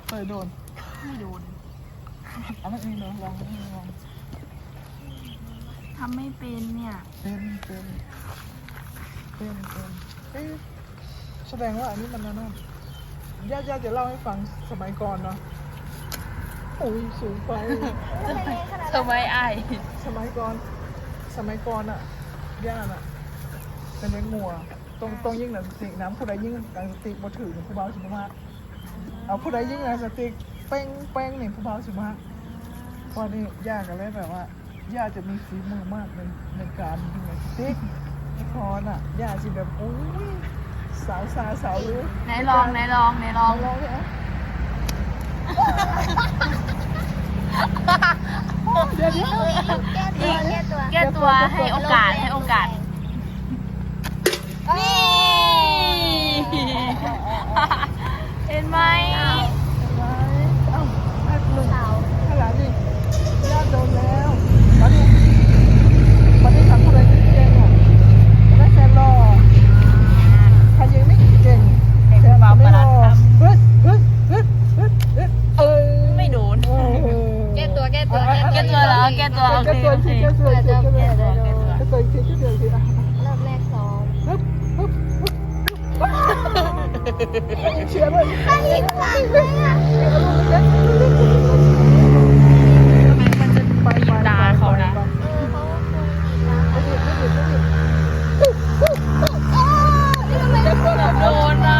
เคยโดนไม่โดนอันนั้นเองเนาะลองทำไม่เป็นเนี่ยเป็นเอ๊ะแสดงว่าอันนี้มันนั่นญาติจะเล่าให้ฟังสมัยก่อนเนาะโอ้ยสูงไปทำไมไอสมัยก่อนอ่ะย่าน่ะเป็นเลี้ยงงัวตรงยิ่งหนังสติกน้ำผู้ใดยิ่งหนังสติกบ่ถือผู้เบาสิบมากเอาผู้ใดยิ่งหนังสติกแป้งเนี่ยผู้เบาสิบมากเพราะนี่ย่ากันเลยแบบว่าย่าจะมีฝีมือมากในการยิงหนังสติกพอน่ะย่าสิแบบโอ้ยสาวรู้ไหนลองลองเลยอ่ะเดี๋ยวแก้ตัวให้โอกาสนี่ เห็นไหมเอ้าให้หนึ่งให้หลานดิญาติโดนแล้วมาดิทำอะไรเก่งอ่ะได้แฟนรอใครยังไม่เก่งแฟนไม่รอไม่โดนแก้ตัวแก้ตัวเหรอแก้ตัวโอเคแก้ตัวอีกทีรอบแรกซ้อมเชียร์เลยทำไมมันจะบีบตาเขานะ โดนอ่ะ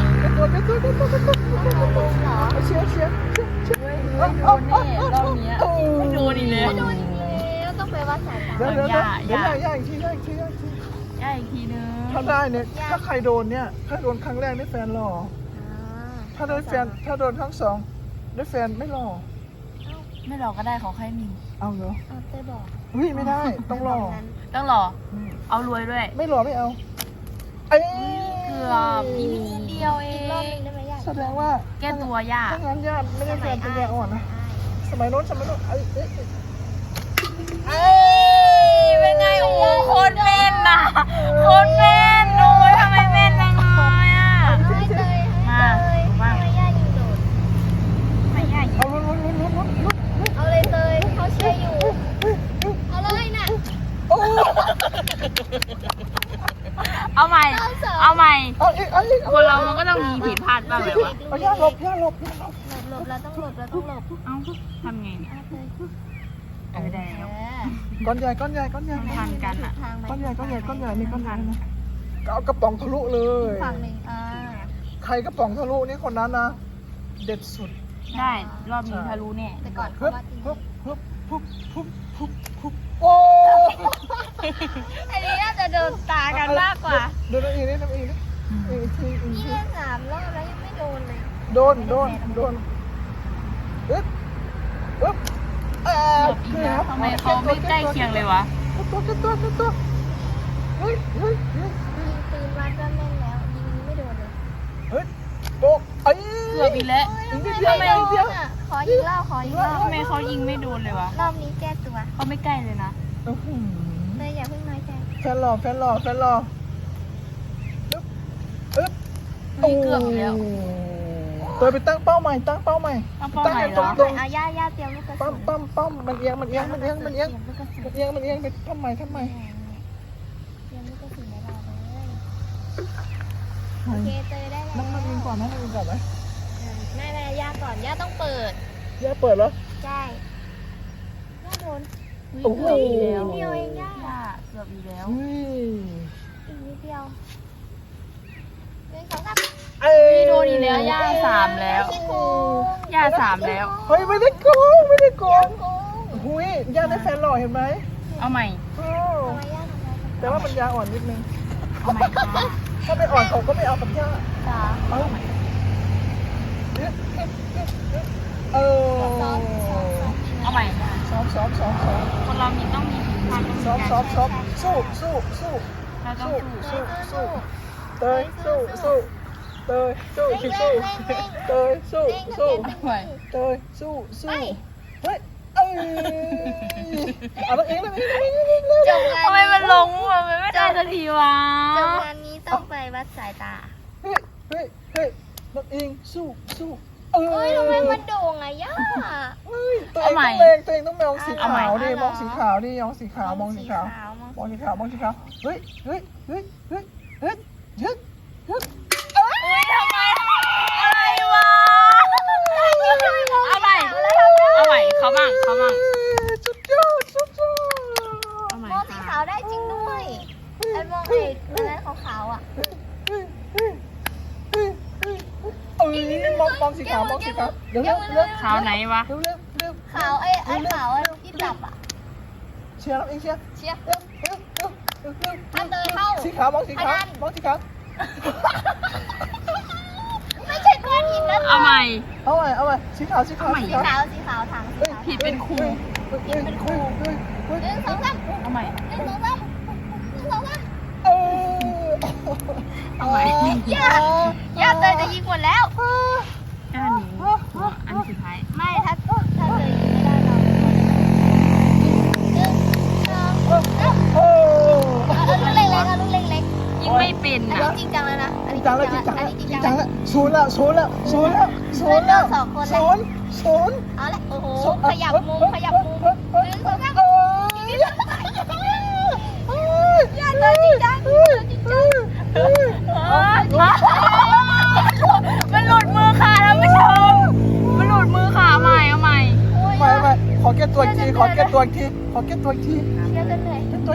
เชียร์ไม่โดนแน่รอบนี้ไม่โดนอีกแล้วแล้วต้องไปวัดสายตาเดี๋ยวย่าอีกทีย่าอีกทีนึงถ้าได้เนี่ยถ้าใครโดนเนี่ยถ้าโดนครั้งแรกได้แฟนหล่อถ้าได้แฟนถ้าโดนครั้งสองได้แฟนไม่หล่อไม่หลอกก็ได้ขอแค่มีเอาเหรอเต้บอกอุ้ยไม่ได้ต้องหล่อต้องหล่อเอารวยด้วยไม่หล่อไม่เอาเอ้ยเกือบอีกนิดเดียวเอรอบงนึงได้ไหมยากแสดงว่าแก้ตัวย่าถ้างั้นญาติไม่ได้แฟนเป็นยาอ่อนนะสมัยโน้นเอ้ยเป็นไงโอ้โหโคตรแม่นนะโคตรแม่นโอ้ยทำไมแม่นจังเลยอ่ะไม่เลยไม่ยากยิงโดดไม่ย่ายิเอางลุ้นเอาเลยเตยเขาเชียร์อยู่เอาเลยน่ะโอ้เอาใหม่เอาใหม่เอาอีกคนเรามันก็ต้องมีผิดพลาดบ้างแบบว่าเอาย่าหลบหลบเราต้องหลบเอ้าทำไงเนี่ยได้แล้วก้อนใหญ่ทันกันอ่ะก้อนใหญ่นี่ก้อนใหญ่นะก็เอากระป๋องทะลุเลยฝั่งหนึ่งใครกระป๋องทะลุนี่คนนั้นนะเด็ดสุดได้รอบนี้ทะลุแน่แต่ก่อนเขาฮึบวัดจริงฮึบโอ้อันนี้น่าจะโดนตากันมากกว่าเดินอีกนิดอีกทีนี่เล่น3 รอบแล้วยังไม่โดนเลยโดนอึ๊บทำไมเขาไม่ใกล้เคียงเลยวะตัวเฮ้ยยิงปืนวัดก็แม่นแล้วยิงไม่โดนเลยเฮ้ยโบกเอ้ยเกือบอีกแล้วทำไมไม่โดนอ่ะขอยิงรอบทำไมเขายิงไม่โดนเลยวะรอบนี้แก้ตัวเขาไม่ใกล้เลยนะเลยอย่าเพิ่งน้อยใจแฟนหล่ออึ๊บเกือบแล้วตัวไปตั้งเป้าใหม่ตั้งต้องเป้าหมายเหรอตรงเอาย่าเตรียมลูกกระสุนปั้มมันเอียงไปทำไมเตรียมลูกกระสุนไว้รอเลยไม่โอเคเตยได้แล้วมันยิงก่อนไหมไม่ย่าก่อนย่าต้องเปิดย่าเปิดแล้วใช่ย่าโดนโอ้โหเดียวเองย่าเกือบอีกแล้วอีกนิดเดียว1 2 3 โดนอีกแล้วย่า3แล้ว ย่า3แล้วเฮ้ยไม่ได้โกงหุยย่าได้แฟนหล่อเห็นไหมเอาใหม่ทำไมย่าทำไมแต่ว่ามันยาอ่อนนิดนึงเอาใหม่ค่ะถ้าไม่อ่อนเขาก็ไม่เอากับย่าจ๋าเออเอาใหม่ซ้อมคนเรามีต้องมีผิดพลาดต้องมีการสู้เราต้องสู้เตยสู้เฮ้ยเอาแล้วเองจบงานทำไมมันลงมันไม่ได้สักทีวะจบงานนี้ต้องไปวัดสายตาเฮ้ยน้องเองสู้เอ้เฮ้ยยทำไมมันโด่งอะย่าตัวเองต้องเลงตัวเองต้องมองสีขาวดิมองสีขาวดิมองสีขาวมองสีขาวมองสีขาวมองสีขาวเฮ้ยเฮ้ยเฮ้ยเฮ้ยเฮ้ยยึดยึดอุ้ยทำไมอะไรวะเอาใหม่เอาใหม่เขาบ้างเขาบ้างสุดยอดสุดยอดเอาใหม่มองสีค่ะขาวได้จริงด้วยไอ้มองไอ้อันนั้นขาวๆอ่ะเอ้ยมองสีขาวมองสีขาวเดี๋ยวเร็วเร็วขาวไหนวะเร็วเร็วเร็วขาวไอ้ขาวที่จับอ่ะเชียร์เราเองเชียร์เชียร์เร็วเร็วเร็วเร็วเร็วอันเดินเข้าสีขาวมองสีขาวมองสีขาวไม่ใช่ก้อนหินนะเอาใหม่เอาใหม่สีขาวสีขาวสีขาวสีขาวถังสีขาวผิดเป็นครูเป็นครูหนึ่งสองสามเอาใหม่หนึ่งสองสามหนึ่งสองสามเออเอาใหม่ย่าเตยจะยิงหมดแล้วอันนี้อันสุดท้ายไม่ถ้าเตยยิงไม่ได้เราหนึ่งสองสามโอ้ลูกเล็กๆเอาลูกเล็กยิงไม่เป็นๆอันอ่ะนี้จริงจังแล้วนะอันจรินี้งจังแล้วจริงจังอันแล้วนี้จจริริงงจัจังงแล้วแล้วศูนย์แล้วศูนย์แล้วศูนย์แล้วศูนย์แล้วศูนย์ศูนย์เอาละโอ้โหขยับมุมขยับมุมหนึ่งสองสาม อย่าเลยจริงจังจริงจังมันหลุดมือค่ะท่านผู้ชมมันหลุดมือค่ะเอาใหม่เอาใหม่ไม่ขอแก้ตัวอีกทีขอแก้ตัวอีกทีขอแก้ตัวอีกทีเชื่อกันเลย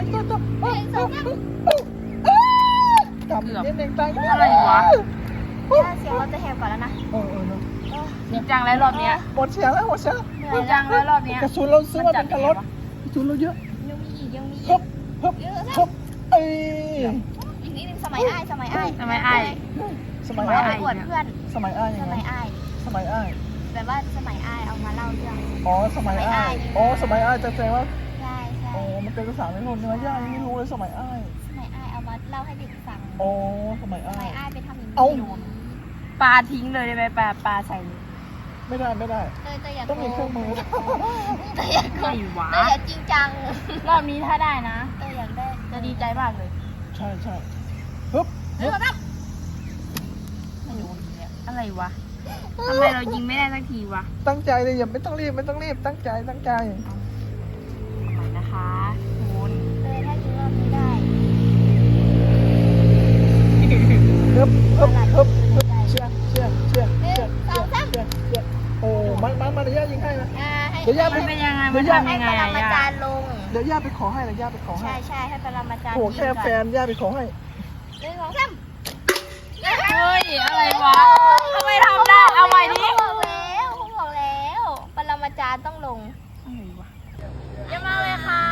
กลับเล่นเองตั้งอะไรวะเสียงเราจะแหบก่อนแล้วนะเนาะจริงจังแล้วรอบเนี้ยหมดเสียงแล้วหมดเสียงเหนื่จอริยงจัแล้วงแล้วรอบเนี้ยกระสุนเราซื้อมาเป็นคันรถกระสุนเราเยอะยังมีอีกยังมีอีฮึกบฮึบฮึบเอ้ยอีกนิดนึงสมัยอ้ายสมัยอ้ายทำไมไอ้สมัยเราอ้ายไปอวดเพื่อนสมัยอ้ายยัสงไงมัยอ้ายสมัยอ้ายแบบว่าสมัยอ้ายเอามาเล่าเรื่องอ๋อสมัยอ้ายอ๋อสมัยอ้ายจะแสดงว่าใช่ใช่อ๋อมันเป็นภาษาไม่ทนใช่ไหมย่ายังไม่รู้เลยสมัยอ้ายสมัยอ้ายเอามาเล่าให้เด็กฟังอ๋อสมัยสอ้ามัยยอ้ายไปทำอย่างนี้เอ้าโดนปลาทิ้งเลยได้ไหมปลาใส่เลยไม่ได้ไม่ได้เตยอยากต้องมีเครื่องมือเตยอยากไม่หวาเตยอยากจริงจังรอบนี้ถ้าได้นะเตยอยากได้จะดีใจมากเลยใช่ใช่ฮึบเรื่องรับไม่โดนเนี่ยอะไรวะทำไมเรายิงไม่ได้สักทีวะตั้งใจเลยอย่าไม่ต้องรีบไม่ต้องรีบตั้งใจตั้งใจเอาใหม่นะคะคุณเตยถ้ายิงรอบนี้ได้ฮึบฮึบฮึบฮึบเชื่อเชื่อเชื่อเชื่อเชื่อเชื่อเชื่อโอ้มันเดี๋ยวย่ายิงให้นะให้เดี๋ยวย่ามันเป็นยังไงเดี๋มัยวน ย่าทำให้ยังปไงรอะมาย่าจารย์ลงเดี๋ยวย่าไปขอให้นะย่าไปขอให้ใช่ใช่ให้ปรมาจารย์โอ้แค่แฟนย่าไปขอให้หนึ่งสองสามเฮ้ยอะไรวะทำไมทำได้เอาใหม่ดิบอกแล้วปรมาจารย์ต้องลงอะไรวะเยอะมากเลยค่ะ